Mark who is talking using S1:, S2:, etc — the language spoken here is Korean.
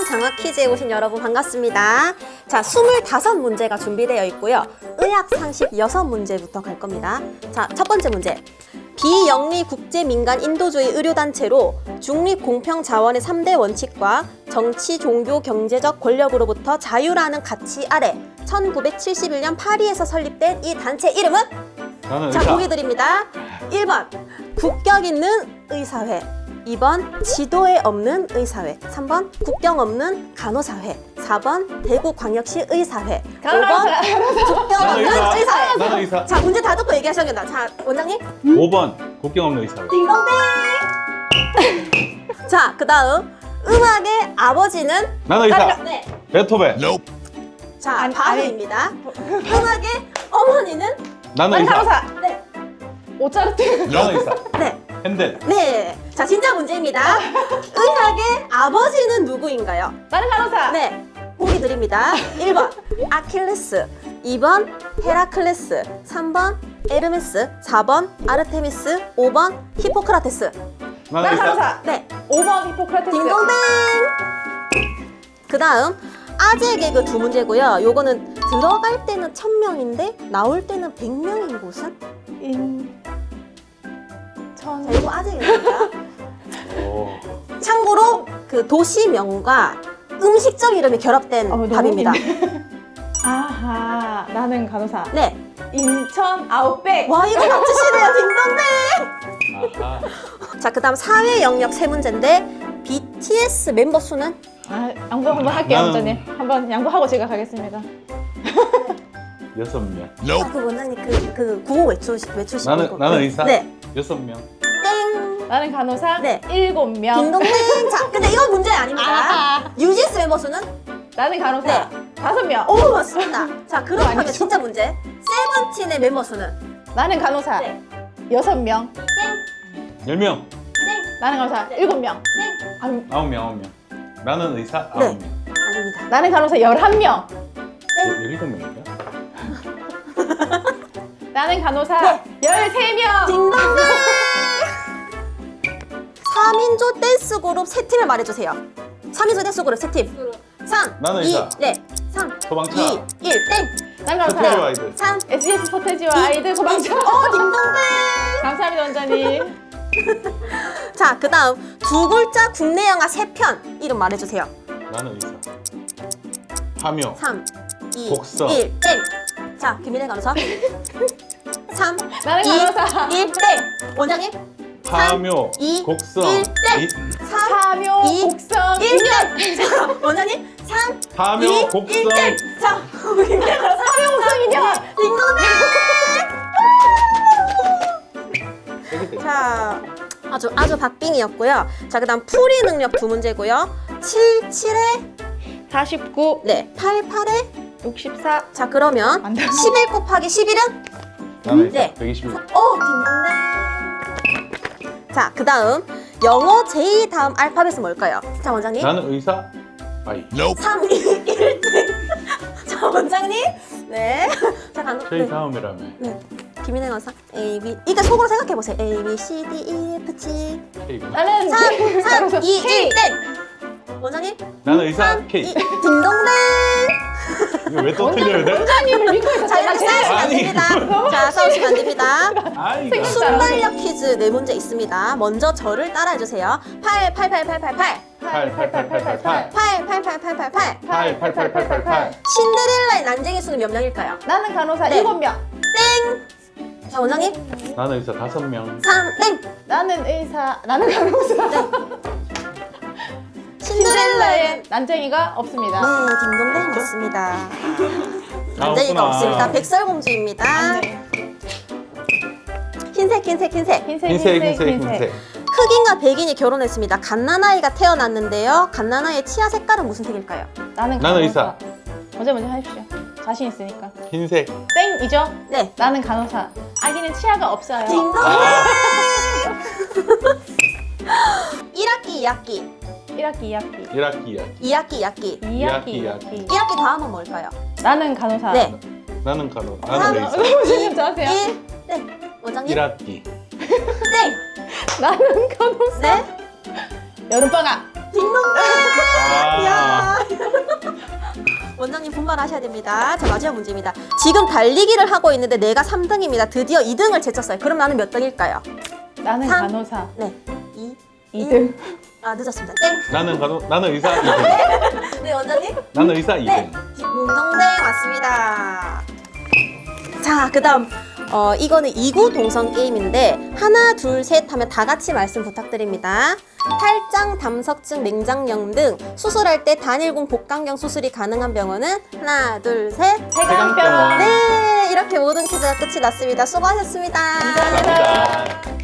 S1: 장학 퀴즈에 오신 여러분 반갑습니다. 자, 25문제가 준비되어 있고요. 의학 상식 6문제부터 갈 겁니다. 자, 첫 번째 문제. 비영리 국제민간 인도주의 의료단체로 중립공평자원의 3대 원칙과 정치, 종교, 경제적 권력으로부터 자유라는 가치 아래 1971년 파리에서 설립된 이 단체 이름은?
S2: 나는
S1: 자,
S2: 의사.
S1: 보기 드립니다. 1번 국격 있는 의사회, 2번 지도에 없는 의사회, 3번 국경 없는 간호사회, 4번 대구광역시 의사회, 5번 국경
S2: 나는
S1: 없는
S2: 의사.
S1: 의사회.
S2: 나는 의사.
S1: 자, 문제 다 듣고 얘기하셔야겠다. 자, 원장님.
S2: 5번 국경 없는 의사회.
S1: 딩동댕. 자, 그 다음 음악의 아버지는?
S2: 나는 의사.
S1: 네.
S2: 베토벤.
S1: 자, 바로입니다. 음악의 어머니는?
S2: 나는 의사.
S3: 간호사.
S1: 네.
S3: 모차르트.
S2: 나는 의사.
S1: 네.
S2: 핸델.
S1: 네. 자, 진짜 문제입니다. 의학의 아버지는 누구인가요?
S3: 나는 간호사.
S1: 네. 보기 드립니다. 1번 아킬레스, 2번 헤라클레스, 3번 에르메스, 4번 아르테미스, 5번 히포크라테스.
S2: 나는
S3: 나는
S2: 의사.
S3: 간호사.
S1: 네.
S3: 5번 히포크라테스.
S1: 딩동댕. 그 다음 아재 개그 2문제고요. 요거는 들어갈 때는 1000명인데 나올 때는 100명인 곳은? 자, 이거 아재 개그입니다.
S2: 오.
S1: 참고로 그 도시명과 음식점 이름이 결합된
S3: 너무
S1: 답입니다.
S3: 아하. 나는 간호사.
S1: 네.
S3: 인천 아웃백.
S1: 와, 이거 맞추시네요. 딩동댕.
S2: 아하.
S1: 자, 그 다음 사회 영역 3문제인데 BTS 멤버 수는?
S3: 아, 양보 한번 할게요,
S2: 나는-
S3: 원장님. 한번 양보하고 제가 가겠습니다.
S2: 6명.
S1: 아, 그 원장님 그 구호 외추시고.
S2: 나는 의사.
S1: 네.
S2: 6명.
S1: 땡.
S3: 나는 간호사.
S1: 네.
S3: 7명.
S1: 딩동댕. 자, 근데 이건 문제 아닙니다.
S3: 아하.
S1: 뉴진스 멤버 수는?
S3: 나는 간호사.
S1: 네.
S3: 5명.
S1: 오, 맞습니다. 자, 그렇다면
S3: 아니죠.
S1: 진짜 문제. 세븐틴의 멤버 수는?
S3: 나는 간호사.
S1: 네.
S3: 6명.
S2: 10명.
S3: 나는 간호사. 7명. 아,
S2: 9명. 나는 의사.
S1: 네.
S2: 9명.
S1: 아닙니다.
S3: 나는 간호사 11명.
S2: 7명인가?
S3: 나는 간호사
S1: 네.
S3: 13명.
S1: 딩동댕. 3인조 댄스 그룹 3팀을 말해주세요. 3인조 댄스 그룹 3팀. 3,
S2: 나는
S1: 2,
S2: 의사.
S1: 네. 3,
S2: 소방차.
S1: 2, 1, 땡.
S3: 나는
S2: 서태지
S3: 간호사.
S2: 아이들.
S1: 3,
S3: SBS 서태지와 아이들 소방차.
S1: 딩동댕.
S3: 감사합니다, 원장님.
S1: 자, 그 다음 두 글자 국내 영화 3편 이름 말해주세요.
S2: 나는 의사. 파묘.
S1: 3, 2,
S2: 곡성.
S1: 1, 땡. 자, 김민혜 간호사. 3,
S3: 나는
S1: 2,
S3: 간호사.
S1: 1, 땡. 원장님.
S2: 파묘.
S1: 2,
S2: 곡성.
S1: 1, 땡. 3,
S3: 파묘,
S1: 2,
S3: 곡성,
S1: 1, 땡. 자, 원장님. 3,
S2: 파묘,
S1: 2,
S2: 곡성.
S1: 1, 땡. 자, 김민혜 간호사.
S3: 파묘, 곡성, 인형.
S1: 딩동댕.
S2: 세게
S1: 자, 아주 박빙이었고요. 자, 그다음 풀이 능력 2문제고요. 7, 7에
S3: 49,
S1: 네, 8, 8에
S3: 64.
S1: 자, 그러면
S3: 안 돼.
S1: 11 곱하기 11은?
S2: 나는 의사.
S1: 네.
S2: 121.
S1: 딩동댕. 자, 그다음 영어 J 다음 알파벳은 뭘까요? 자, 원장님.
S2: 나는 의사. 아이.
S1: 3, 2, 1, 땡. 자, 원장님. 네. 자,
S2: 저희
S1: 네.
S2: 다음이라며.
S1: 네. 김인혜 강사. A, B. 이게 속으로 생각해 보세요. A, B, C, D, E, F, G.
S2: K구나.
S3: 나는
S1: 3, 2, 1,
S3: K.
S1: 땡. 원장님.
S2: 나는 의사.
S1: 3,
S2: K.
S1: 2, 딩동댕.
S2: 이거 왜 또 틀려야 돼?
S3: 원장님을 믿고 있었어요.
S1: 자, 이렇게 싸우시면 안
S2: 아니,
S1: 됩니다. 자, 싸우시면 안 됩니다.
S2: 아이가.
S1: 순발력 퀴즈 4문제 있습니다. 먼저 저를 따라해주세요. 8, 8, 8, 8, 8, 8.
S2: 88888.
S1: 8, 8, 8, 8, 8, 8.
S2: 88888.
S1: 신데렐라의 난쟁이 수는 몇 명일까요?
S3: 나는 간호사
S1: 네.
S3: 7명.
S1: 땡! 자, 원장님.
S2: 나는 의사 5명.
S1: 3, 땡!
S3: 나는 의사, 나는 간호사.
S1: 신데렐라의
S3: 신데렐라의 난쟁이가 없습니다.
S1: 네, 딩동댕 맞습니다.
S2: 아,
S1: 난쟁이가
S2: 없구나.
S1: 없습니다. 백설공주입니다.
S3: 네.
S1: 흰색.
S2: 흰색.
S1: 흑인과 백인이 결혼했습니다. 갓난아이가 태어났는데요. 갓난아이의 치아 색깔은 무슨 색일까요?
S3: 나는
S2: 나는
S3: 간호사. 먼저 하십시오. 자신 있으니까.
S2: 흰색.
S3: 땡이죠?
S1: 네.
S3: 나는 간호사. 아기는 치아가 없어요.
S1: 딩동댕!
S2: 아,
S1: 1학기, 2학기.
S3: 1학기, 2학기.
S2: 1학기.
S1: 2학기.
S3: 2학기.
S1: 1학기 다음은 뭘까요?
S3: 나는 간호사.
S1: 네.
S2: 나는 간호.
S1: 삼,
S2: 나는 의사.
S3: 선생님 저하세요.
S1: 1, 네. 원장님?
S2: 1학기.
S1: 땡!
S3: 나는 간호사.
S1: 네?
S3: 여름방학.
S1: 딩동댕.
S2: 아.
S1: 야. 원장님 분발하셔야 됩니다. 자, 마지막 문제입니다. 지금 달리기를 하고 있는데 내가 3등입니다. 드디어 2등을 제쳤어요. 그럼 나는 몇 등일까요?
S3: 나는
S1: 삼.
S3: 간호사.
S1: 네. 2.
S3: 2등.
S1: 아, 늦었습니다. 땡.
S2: 나는 의사 2등.
S1: 네, 원장님?
S2: 나는 의사 2등.
S1: 네. 딩동댕 맞습니다. 자, 그다음 이거는 이구 동성 게임인데 하나, 둘, 셋 하면 다 같이 말씀 부탁드립니다. 탈장, 담석증, 맹장염 등 수술할 때 단일공 복강경 수술이 가능한 병원은 하나, 둘, 셋.
S2: 대강병원.
S1: 네, 이렇게 모든 퀴즈가 끝이 났습니다. 수고하셨습니다.
S2: 감사합니다.